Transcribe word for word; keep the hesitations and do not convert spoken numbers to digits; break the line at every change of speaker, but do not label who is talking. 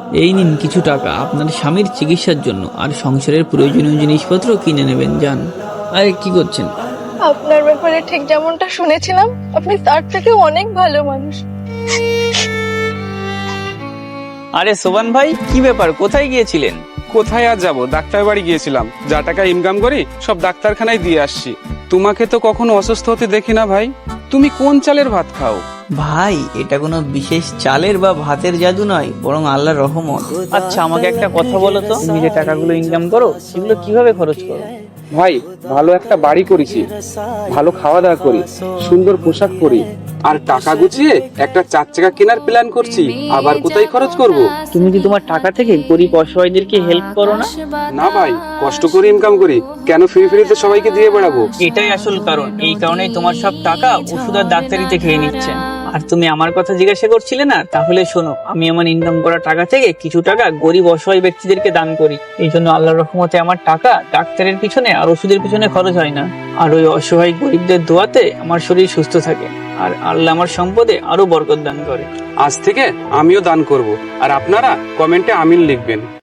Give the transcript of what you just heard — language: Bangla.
এই নিন কিছু টাকা আপনার স্বামীর চিকিৎসার জন্য, আর সংসারের প্রয়োজনীয় জিনিসপত্র কিনে নেবেন, যান। আরে কি করছেন?
আপনার ব্যাপারে ঠিক যেমনটা শুনেছিলাম, আপনি তার থেকে অনেক ভালো মানুষ।
আরে সোবান ভাই, কি ব্যাপার, কোথায় গিয়েছিলেন?
কোথায় আর যাবো, ডাক্তার বাড়ি গিয়েছিলাম। যা টাকা ইনকাম করি সব ডাক্তারখানায় দিয়ে আসছি। তোমাকে তো কখনো অসুস্থ হতে দেখি না ভাই। তুমি কোন চালের ভাত খাও?
ভাই, এটা কোনো বিশেষ চালের বা ভাতের জাদু নয়, বরং আল্লাহর রহমত। আচ্ছা, আমাকে একটা কথা বলো তো, তুমি যে টাকাগুলো ইনকাম করো সেগুলো কিভাবে খরচ করো?
ভাই, ভালো একটা বাড়ি করেছি, ভালো খাওয়া দাওয়া করি, সুন্দর পোশাক পরি, আর টাকা গুছিয়ে একটা চার চাকা কেনার প্ল্যান করছি। আবার কোথায় খরচ করব?
তুমি কি তোমার টাকা থেকে গরিব অসহায়দেরকে হেল্প করো না?
না ভাই, কষ্ট করে ইনকাম করি, কেন ফ্রি ফ্রিতে সবাইকে দিয়ে বেড়াবো?
এটাই আসল কারণ, এই কারণেই তোমার সব টাকা ওষুধ আর ডাক্তারিতে খেয়ে নিচ্ছেন। আর তুমি আমার কথা জিজ্ঞাসা করছিলে না, তাহলে শোনো, আমি আমার ইনকাম করা টাকা থেকে কিছু টাকা গরিব অসহায় ব্যক্তিদেরকে দান করি। এই জন্য আল্লাহর রহমতে আমার টাকা ডাক্তারের পিছনে আর ওষুধের পিছনে খরচ হয় না। আর ওই অসহায় গরিবদের দোয়াতে আমার শরীর সুস্থ থাকে, আর আল্লাহ আমার সম্পদে আরো বরকত দান করে।
আজ থেকে আমিও দান করব, আর আপনারা কমেন্টে আমিন লিখবেন।